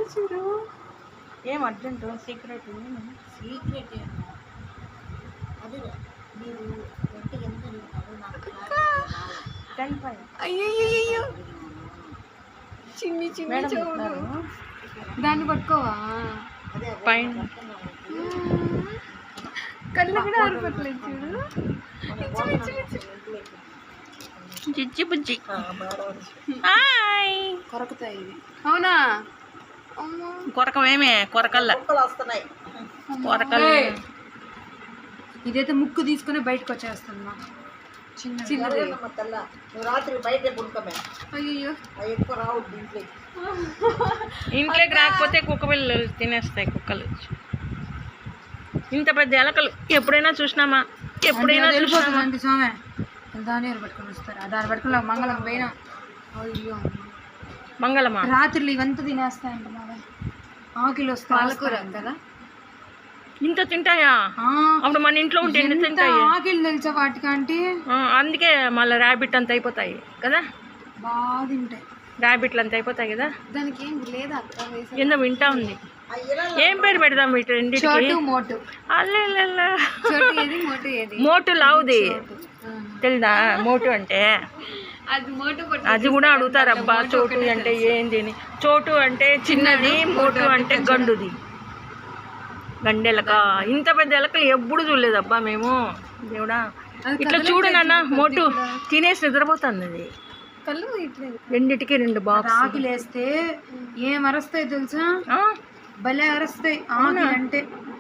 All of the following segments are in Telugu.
చూడు ఏం అర్జెంట్ సీక్రెట్ సీక్రెట్ అది మీరు ఎంత అడుగుతారో నాకు అయ్యో చిన్ని చిన్ని చూడు దాన్ని పట్టుకోవా పైన కళ్ళు కూడా ఆరిపోట్లేదు చూడు జిజ్జి బుజ్జి కొరకుతాయి ఇది అవునా కొరకమేమే కొరకల్లా వస్తున్నాయి కొరకల్ ఇదైతే ముక్కు తీసుకుని బయటకు వచ్చేస్తున్నా చిన్నది రాత్రి బయట గుంటమే అయ్యో ఎక్కువ రావు దీంట్లో ఇంట్లోకి రాకపోతే కుక్క పిల్లలు తినేస్తాయి కుక్కలు ఇంత పెద్ద ఎలకలు ఎప్పుడైనా చూసినామా ఎప్పుడైనా చూసినామా స్వామి దాని పట్టుకొని వస్తారు దాన్ని పట్టుకుని మంగళం పోయినా అయ్యో మంగళమా రాత్రులు ఇవంతా తినేస్తాయంట మావే ఆకిలు వస్తాయి పాలకూర కదా ఇంత తింటాయా అప్పుడు మన ఇంట్లో ఉంటే ఎన్ని తింటాయి ఆకిలు తెలుసా వాటికంటే అందుకే మళ్ళీ ర్యాబిట్ అంత అయిపోతాయి కదా బాగా తింటాయి ర్యాబిట్లు అంత అయిపోతాయి కదా దానికి ఏం లేదా ఏందో వింటా ఉంది ఏం పేరు పెడదాం వీటి రెండింటికి మోటు లావుది తెలుదా మోటు అంటే అది కూడా అడుగుతారు అబ్బా చోటు అంటే ఏంది చోటు అంటే చిన్నది మోటు అంటే గండుది గండెలక ఇంత పెద్ద ఎలకలు ఎప్పుడు చూడలేదబ్బా మేము దేవుడా ఇట్లా చూడు నాన్న మోటు తినేసి నిద్రపోతుంది అది రెండిటికి రెండు బాక్స్ ఆకిలు వేస్తే ఏం అరస్తాయి తెలుసా భలే అరస్తాయి ఆకిలు అంటే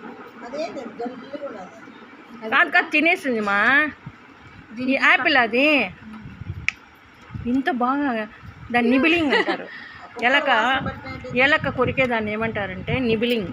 కాదు కాదు తినేసింది మా ఈ యాపిల్ అది ఇంత బాగా దాన్ని నిబిలింగ్ అంటారు ఎలక కొరికే దాన్ని ఏమంటారంటే నిబిలింగ్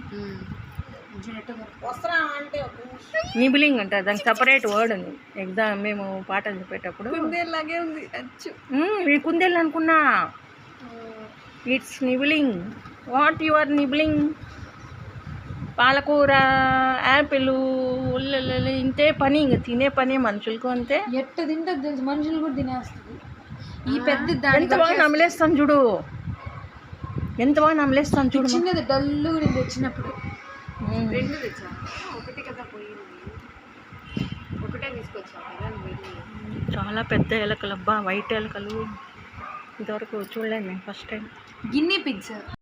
నిబిలింగ్ అంటారు దానికి సపరేట్ వర్డ్ ఉంది ఎగ్జామ్ మేము పాటలు చెప్పేటప్పుడు కుందేలాగే ఉంది మీ కుందేలు అనుకున్నా it's nibbling what you are nibbling పాలకూర యాపిల్ ఉల్లలు ఇంతే పని ఇంక తినే పని మనుషులకు అంతే ఎట్ట తింటుంది తెలుసు మనుషులు కూడా తినేస్తుంది ఈ పెద్ద ఎంత బాగా నమిలేస్తాను చూడు ఎంత బాగా నమిలేస్తాను చూడు చిన్నది డల్లు నేను తెచ్చినప్పుడు రెండు తెచ్చా ఒకటి కదా పోయింది ఒకటే తీసుకొచ్చా చాలా పెద్ద ఎలకలు అబ్బా వైట్ ఎలకలు ఇంతవరకు చూడలేదు నేను ఫస్ట్ టైం గిన్నీ పిగ్స్